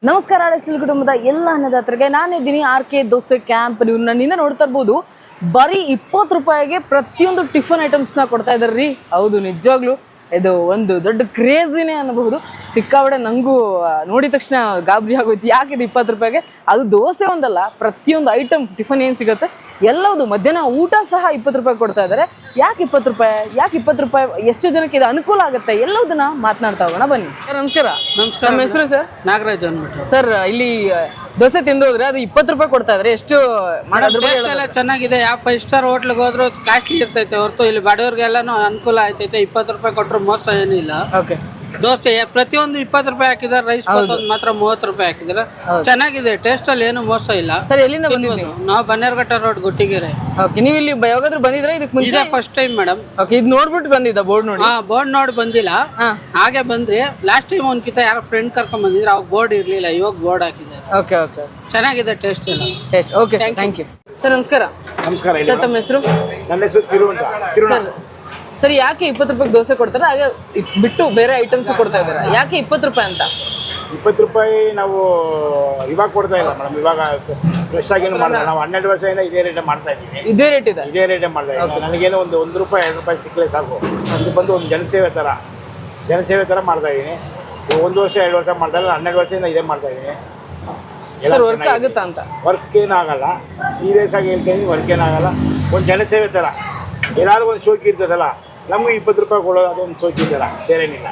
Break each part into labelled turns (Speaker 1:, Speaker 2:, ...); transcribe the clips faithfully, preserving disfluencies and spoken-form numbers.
Speaker 1: ನಮಸ್ಕಾರ ಅಳಸ್ಟಿಲ್ ಕುಟುಂಬದ ಎಲ್ಲ ಅನ್ನದಾತರಿಗೆ ನಾನಿದ್ದೀನಿ ಆರ್ ಕೆ ದೋಸೆ ಕ್ಯಾಂಪ್. ನೀವು ನನ್ನಿಂದ ನೋಡ್ತಾ ಇರ್ಬೋದು, ಬರೀ ಇಪ್ಪತ್ತು ರೂಪಾಯಿಗೆ ಪ್ರತಿಯೊಂದು ಟಿಫನ್ ಐಟಮ್ಸ್ನ ಕೊಡ್ತಾ ಇದ್ದಾರೆ ರೀ. ಹೌದು, ನಿಜವಾಗ್ಲೂ ಇದು ಒಂದು ದೊಡ್ಡ ಕ್ರೇಜಿನೇ ಅನ್ನಬಹುದು. ಸಿಕ್ಕಾಬಡೆ ನನಗೂ ನೋಡಿದ ತಕ್ಷಣ ಗಾಬರಿ ಆಗೋಯ್ತು. ಯಾಕಿದು ಇಪ್ಪತ್ತು ರೂಪಾಯಿಗೆ? ಅದು ದೋಸೆ ಒಂದಲ್ಲ, ಪ್ರತಿಯೊಂದು ಐಟಮ್ ಟಿಫನ್ ಏನು ಸಿಗುತ್ತೆ ಎಲ್ಲವುದು, ಮಧ್ಯಾಹ್ನ ಊಟ ಸಹ ಇಪ್ಪತ್ತು ರೂಪಾಯಿ ಕೊಡ್ತಾ ಇದ್ದಾರೆ. ಯಾಕೆ ಇಪ್ಪತ್ತು ರೂಪಾಯಿ ಯಾಕೆ ಇಪ್ಪತ್ತು ರೂಪಾಯಿ ಎಷ್ಟು ಜನಕ್ಕೆ ಇದು ಅನುಕೂಲ ಆಗುತ್ತೆ ಎಲ್ಲದನ್ನ ಮಾತನಾಡ್ತಾ ಹೋಗೋಣ ಬನ್ನಿ. ಸರ್ ನಮಸ್ಕಾರ.
Speaker 2: ನಮಸ್ಕಾರ.
Speaker 1: ನಮ್ಮ ಹೆಸರು ಸರ್?
Speaker 2: ನಾಗರಾಜ್ ಅಂದ್ಬಿಟ್ಟು.
Speaker 1: ಸರ್, ಇಲ್ಲಿ ದೋಸೆ ತಿಂದು ಹೋದ್ರೆ ಅದು ಇಪ್ಪತ್ತು ರೂಪಾಯಿ ಕೊಡ್ತಾ ಇದ್ರೆ ಎಷ್ಟು ಮಾಡೋದ್ರ
Speaker 2: ಎಲ್ಲ ಚೆನ್ನಾಗಿದೆ. ಯಾವ ಫೈವ್ ಸ್ಟಾರ್ ಹೋಟ್ಲಿಗೆ ಹೋದ್ರು ಕಾಸ್ಟ್ಲಿ ಇರ್ತೈತೆ ಹೊರತು ಇಲ್ಲಿ ಬಡವ್ರಿಗೆಲ್ಲಾನು ಅನುಕೂಲ ಆಯ್ತೈತೆ. ಇಪ್ಪತ್ತು ರೂಪಾಯಿ ಕೊಟ್ಟರು ಮೋಸ ಏನಿಲ್ಲ.
Speaker 1: ಓಕೆ.
Speaker 2: ದೋಸೆ ಪ್ರತಿಯೊಂದು ಇಪ್ಪತ್ತು ರೂಪಾಯಿ ಹಾಕಿದಾರೆ. ರೈಸ್ ಮಾತ್ರ ಮೂವತ್ತು ರೂಪಾಯಿ ಹಾಕಿದಾರೆ. ಚೆನ್ನಾಗಿದೆ, ಟೇಸ್ಟ್ ಅಲ್ಲಿ ಏನು ಮೋಸ ಇಲ್ಲ.
Speaker 1: ಸರ್, ಎಲ್ಲಿಂದ ಬಂದಿದ್ದೀವಿ
Speaker 2: ನಾವು ಬನ್ನೇರ್ಘಟ್ಟ ರೋಡ್ ಗುಟ್ಟಿಗೆರೆ.
Speaker 1: ಓಕೆ. ನೀವು ಇಲ್ಲಿ ಯಾವಾಗಾದ್ರೂ ಬಂದಿದ್ರೆ ಇದಕ್ಕೆ ಮುಂಚೆ?
Speaker 2: First time madam.
Speaker 1: ಓಕೆ, ಇದು ನೋಡ್ಬಿಟ್ಟು ಬಂದಿದ್ದ ಬೋರ್ಡ್ ನೋಡಿ?
Speaker 2: ಹಾ, ಬೋರ್ಡ್ ನೋಡಿ ಬಂದಿಲ್ಲ, ಹಾಗೆ ಬಂದ್ರಿ. ಲಾಸ್ಟ್ ಟೈಮ್ ಒಂದ್ಕಿತ ಯಾರೋ ಫ್ರೆಂಡ್ ಕರ್ಕೊಂಡ್ ಬಂದಿದ್ರೆ ಅವಾಗ ಬೋರ್ಡ್ ಇರ್ಲಿಲ್ಲ, ಇವಾಗ ಬೋರ್ಡ್ ಹಾಕಿದ್ದಾರೆ.
Speaker 1: Okay okay.
Speaker 2: ಚೆನ್ನಾಗಿದೆ ಟೇಸ್ಟ್ ಎಲ್ಲ.
Speaker 1: Taste okay. Thank you sir. ನಮಸ್ಕಾರ.
Speaker 3: ನಮಸ್ಕಾರ.
Speaker 1: ಸರ್, ತಮ್ಮ ಹೆಸರು?
Speaker 3: ನನ್ನ ಹೆಸರು ತಿರು ಅಂತ.
Speaker 1: ಸರ್ ಸರ್ ಯಾಕೆ ಇಪ್ಪತ್ತು ರೂಪಾಯಿಗೆ ದೋಸೆ ಕೊಡ್ತಾರೆ, ಹಾಗೆ ಬಿಟ್ಟು ಬೇರೆ ಐಟಮ್ಸ್ ಕೊಡ್ತಾ ಇದ್ದಾರೆ? ಯಾಕೆ ಇಪ್ಪತ್ತು ರೂಪಾಯಿ ಅಂತ?
Speaker 3: ಇಪ್ಪತ್ತು ರೂಪಾಯಿ ನಾವು ಇವಾಗ ಕೊಡ್ತಾ ಇಲ್ಲ ಮೇಡಮ್. ಇವಾಗ ಫ್ರೆಶ್ ಆಗೇನು ಮಾಡಲ್ಲ. ನಾವು ಹನ್ನೆರಡು ವರ್ಷದಿಂದ ಇದೇ ರೇಟೇ ಮಾಡ್ತಾ ಇದ್ದೀವಿ.
Speaker 1: ಇದೇ ರೇಟ್ ಇದೆ?
Speaker 3: ಇದೇ ರೇಟೇ ಮಾಡ್ತಾ ಇದ್ದೀನಿ. ನನಗೇನು ಒಂದು ಒಂದು ರೂಪಾಯಿ ಎರಡು ರೂಪಾಯಿ ಸಿಕ್ಕಲೇ ಸಾಕು. ಇದು ಬಂದು ಒಂದು ಜನಸೇವೆ ಥರ ಜನಸೇವೆ ಥರ ಮಾಡ್ತಾ ಇದ್ದೀನಿ. ಒಂದು ವರ್ಷ ಎರಡು ವರ್ಷ ಮಾಡ್ತಾ ಇಲ್ಲ, ಹನ್ನೆರಡು ವರ್ಷದಿಂದ ಇದೇ ಮಾಡ್ತಾ ಇದ್ದೀನಿ.
Speaker 1: ಸರ್, ವರ್ಕ್ ಆಗುತ್ತಾ ಅಂತ?
Speaker 3: ವರ್ಕ್ ಏನಾಗಲ್ಲ, ಸೀರಿಯಸ್ ಆಗಿ ಹೇಳ್ತೀನಿ, ವರ್ಕ್ ಏನಾಗಲ್ಲ. ಒಂದು ಜನಸೇವೆ ಥರ. ಎಲ್ಲರಿಗೂ ಒಂದು ಶೋಕಿ ಇರ್ತದಲ್ಲ, ನಮ್ಗೆ ಇಪ್ಪತ್ತು ರೂಪಾಯಿ ಕೊಡೋದು ಅದೊಂದು ಶೋಕಿ ಥರ, ಬೇರೇನಿಲ್ಲ.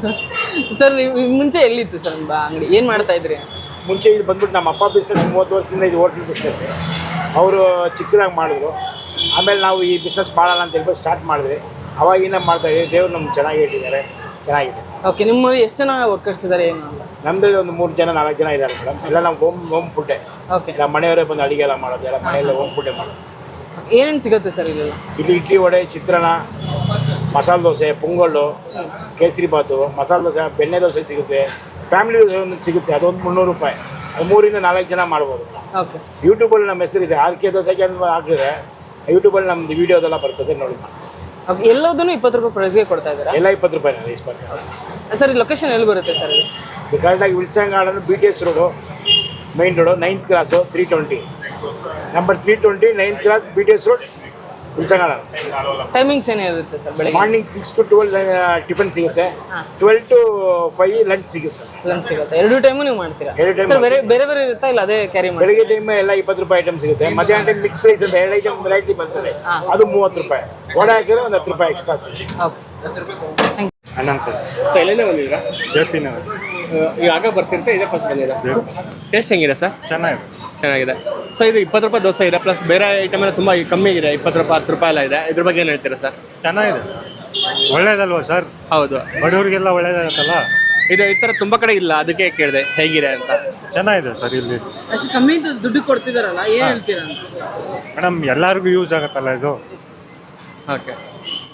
Speaker 1: ಸರ್, ನೀವು ಮುಂಚೆ ಎಲ್ಲಿತ್ತು ಸರ್ ನಿಮ್ಮ ಅಂಗಡಿ? ಏನು ಮಾಡ್ತಾ ಇದ್ರಿ
Speaker 3: ಮುಂಚೆ? ಇದು ಬಂದ್ಬಿಟ್ಟು ನಮ್ಮ ಅಪ್ಪ ಬಿಸ್ನೆಸ್, ಮೂವತ್ತು ವರ್ಷದಿಂದ ಇದು ಹೋಟ್ಲ್ ಬಿಸ್ನೆಸ್. ಅವರು ಚಿಕ್ಕದಾಗಿ ಮಾಡಿದ್ರು. ಆಮೇಲೆ ನಾವು ಈ ಬಿಸ್ನೆಸ್ ಮಾಡೋಣ ಅಂತ ಹೇಳ್ಬಿಟ್ಟು ಸ್ಟಾರ್ಟ್ ಮಾಡಿದ್ವಿ. ಅವಾಗಿಂದ ಮಾಡ್ತಾ ಇದ್ದೀವಿ. ದೇವ್ರು ನಮ್ಗೆ ಚೆನ್ನಾಗಿ ಇಟ್ಟಿದ್ದಾರೆ, ಚೆನ್ನಾಗಿದೆ.
Speaker 1: ಓಕೆ. ನಿಮ್ಮಲ್ಲಿ ಎಷ್ಟು ಜನ ವರ್ಕರ್ಸ್ ಇದ್ದಾರೆ ಏನು ಅಂತ?
Speaker 3: ನಮ್ಮದ್ರಲ್ಲಿ ಒಂದು ಮೂರು ಜನ ನಾಲ್ಕು ಜನ ಇದ್ದಾರೆ ಮೇಡಮ್. ಎಲ್ಲ ನಾವು ಹೋಮ್ ಹೋಮ್ ಫುಡ್ಡೇ.
Speaker 1: ಓಕೆ.
Speaker 3: ಎಲ್ಲ ಮನೆಯವರೇ ಬಂದು ಅಡುಗೆ ಎಲ್ಲ ಮಾಡೋದು, ಎಲ್ಲ ಮನೆಯಲ್ಲೇ ಹೋಮ್ ಫುಡ್ಡೇ ಮಾಡೋದು.
Speaker 1: ಏನೇನು ಸಿಗುತ್ತೆ ಸರ್ ಇಲ್ಲಿ? ಇಲ್ಲಿ
Speaker 3: ಇಡ್ಲಿ, ವಡೆ, ಚಿತ್ರಾನ್ನ, ಮಸಾಲೆ ದೋಸೆ, ಪೊಂಗಲ್ಲು, ಕೇಸರಿ ಬಾತು, ಮಸಾಲೆ ದೋಸೆ, ಬೆಣ್ಣೆ ದೋಸೆ ಸಿಗುತ್ತೆ. ಫ್ಯಾಮಿಲಿ ದೋಸೆ ಒಂದು ಸಿಗುತ್ತೆ, ಅದೊಂದು ಮುನ್ನೂರು ರೂಪಾಯಿ. ಅದು ಮೂರಿಂದ ನಾಲ್ಕು ಜನ ಮಾಡ್ಬೋದು.
Speaker 1: ಓಕೆ.
Speaker 3: ಯೂಟ್ಯೂಬಲ್ಲಿ ನಮ್ಮ ಹೆಸರಿದೆ, ಆರ್ ಕೆ ದೋಸೆಗೆ ಅಂತ ಹಾಕಿದ್ರೆ ಯೂಟ್ಯೂಬಲ್ಲಿ ನಮ್ಮದು ವೀಡಿಯೋದೆಲ್ಲ ಬರ್ತದೆ, ನೋಡಿ.
Speaker 1: ಓಕೆ. ಎಲ್ಲದನ್ನು ಇಪ್ಪತ್ತು ರೂಪಾಯಿ ಪ್ರೈಸ್ಗೆ ಕೊಡ್ತಾ ಇದ್ದಾರೆ?
Speaker 3: ಎಲ್ಲ ಇಪ್ಪತ್ತು ರೂಪಾಯಿ ರೈಸ್ ಬರ್ತಾರೆ.
Speaker 1: ಸರ್, ಲೊಕೇಶನ್ ಎಲ್ಲಿ ಬರುತ್ತೆ ಸರ್?
Speaker 3: ಇದು ಕರೆಕ್ಟಾಗಿ Wilson Garden, B T S road, main road, ninth class, three twenty number three twenty ninth class, B T S road, Wilson Garden.
Speaker 1: Timings ಏನಿರುತ್ತೆ ಸರ್? ಬೆಳಗ್ಗೆ
Speaker 3: morning six to twelve tiffin ಸಿಗುತ್ತೆ, twelve to five lunch ಸಿಗುತ್ತೆ.
Speaker 1: Lunch ಸಿಗುತ್ತೆ? ಎರಡು time ನೀವು ಮಾಡ್ತೀರಾ?
Speaker 3: ಎರಡು time
Speaker 1: sir, ಬೇರೆ ಬೇರೆ ಬೇರೆ ಇರುತ್ತಾ ಇಲ್ಲ ಅದೇ ಕ್ಯಾರಿ ಮಾಡಿ?
Speaker 3: ಬೆಳಗ್ಗೆ ಟೈಮ್ ಎಲ್ಲ ಇಪ್ಪತ್ತು ರೂಪಾಯಿ ಐಟಮ್ ಸಿಗುತ್ತೆ. ಮಧ್ಯಾಹ್ನ ಟೈಮ್ ಮಿಕ್ಸ್ ರೈಸ್ ಅಂತ ಎರಡು ಐಟಮ್ ವೆರೈಟಿ ಬರ್ತದೆ, ಅದು ಮೂವತ್ತು ರೂಪಾಯಿ. ವಡೆ ಹಾಕಿದ್ರೆ ಒಂದು ಹತ್ತು ರೂಪಾಯಿ ಎಕ್ಸ್ಟ್ರಾ ಸಿಗುತ್ತೆ.
Speaker 1: Okay. Thank you.
Speaker 3: Ananta.
Speaker 4: So ಎಲ್ಲಿಂದ ಬಂದಿದ್ದೀರಾ?
Speaker 3: J P Nagar.
Speaker 4: ಈಗ ಆಗ ಬರ್ತಿರ್ತೆ, ಇದೇ ಫಸ್ಟ್ ಬಂದಿದ್ದೀರಾ? ಟೇಸ್ಟ್ ಹೆಂಗಿದೆ ಸರ್?
Speaker 3: ಚೆನ್ನಾಗಿದೆ.
Speaker 4: ಚೆನ್ನಾಗಿದೆ. ಸೊ ಇದು ಇಪ್ಪತ್ತು ರೂಪಾಯಿ ದೋಸೆ ಇದೆ, ಪ್ಲಸ್ ಬೇರೆ ಐಟಮ್ ಎಲ್ಲ ತುಂಬ ಕಮ್ಮಿ ಇದೆ, ಇಪ್ಪತ್ತು ರೂಪಾಯಿ ಹತ್ತು ರೂಪಾಯಿ ಎಲ್ಲ ಇದೆ. ಇದ್ರ ಬಗ್ಗೆ ಏನು ಹೇಳ್ತೀರಾ ಸರ್?
Speaker 5: ಚೆನ್ನಾಗಿದೆ, ಒಳ್ಳೇದಲ್ವಾ ಸರ್?
Speaker 4: ಹೌದು,
Speaker 5: ಬಡವರಿಗೆಲ್ಲ ಒಳ್ಳೇದಾಗತ್ತಲ್ಲ.
Speaker 4: ಇದು ಈ ಥರ ತುಂಬ ಕಡೆ ಇಲ್ಲ, ಅದಕ್ಕೆ ಕೇಳಿದೆ ಹೇಗಿದೆ ಅಂತ.
Speaker 5: ಚೆನ್ನಾಗಿದೆ ಸರ್. ಇಲ್ಲಿ
Speaker 1: ಅಷ್ಟು ಕಮ್ಮಿ ದುಡ್ಡು ಕೊಡ್ತಿದಾರಲ್ಲ, ಏನು ಹೇಳ್ತೀರಾ ಅಂತ?
Speaker 5: ಮೇಡಮ್ ಎಲ್ಲರಿಗೂ ಯೂಸ್ ಆಗುತ್ತಲ್ಲ ಇದು.
Speaker 4: ಓಕೆ.